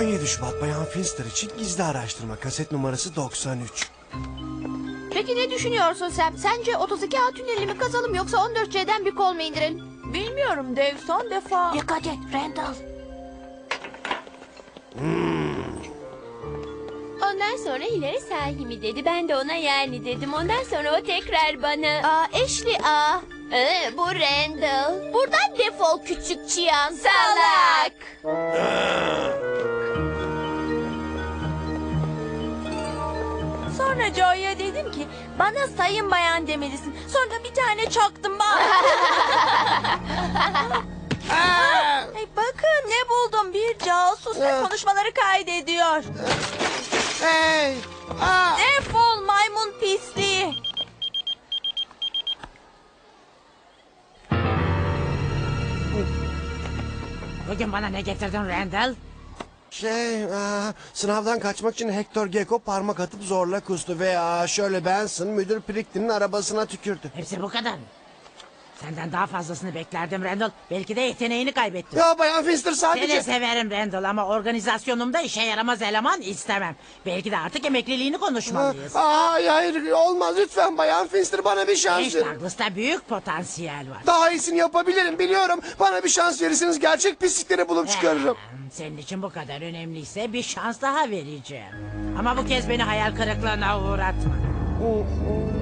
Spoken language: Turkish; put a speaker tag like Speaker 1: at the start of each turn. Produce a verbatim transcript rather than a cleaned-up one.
Speaker 1: on yedi Şubat Bayan Finster için gizli araştırma kaset numarası doksan üç.
Speaker 2: Peki ne düşünüyorsun Sam? Sence otuz iki A tünelini mi kazalım yoksa on dört C'den bir kol mu indirelim?
Speaker 3: Bilmiyorum Dave, son defa.
Speaker 2: Dikkat et Randall.
Speaker 4: Ondan sonra Hilary sahi mi dedi. Ben de ona yani dedim. Ondan sonra o tekrar bana...
Speaker 2: Aa, Ashley aa.
Speaker 4: Ee, bu Randall.
Speaker 2: Buradan defol küçük çıyan.
Speaker 4: Salak.
Speaker 3: Sonra Joy'a dedim ki bana sayın bayan demelisin. Sonra da bir tane çaktım bak. Hey, bakın ne buldum, bir casus ve konuşmaları kaydediyor.
Speaker 1: Hey! Aa!
Speaker 3: Defol maymun pisliği.
Speaker 5: Bugün bana ne getirdin Randall?
Speaker 1: Şey, aa, sınavdan kaçmak için Hector Gecko parmak atıp zorla kustu ve aa, şöyle Benson müdür Pricklin'in arabasına tükürdü.
Speaker 5: Hepsi bu kadar mı? Senden daha fazlasını beklerdim Randall. Belki de yeteneğini kaybettin.
Speaker 1: Ya Bayan Finster sadece...
Speaker 5: Seni severim Randall ama organizasyonumda işe yaramaz eleman istemem. Belki de artık emekliliğini konuşmalıyız.
Speaker 1: Aa, hayır hayır olmaz lütfen Bayan Finster bana bir şans
Speaker 5: Genç
Speaker 1: verin.
Speaker 5: Douglas'ta büyük potansiyel var.
Speaker 1: Daha iyisini yapabilirim biliyorum. Bana bir şans verirseniz gerçek pislikleri bulup çıkarırım.
Speaker 5: Ee, Senin için bu kadar önemliyse bir şans daha vereceğim. Ama bu kez beni hayal kırıklığına uğratma.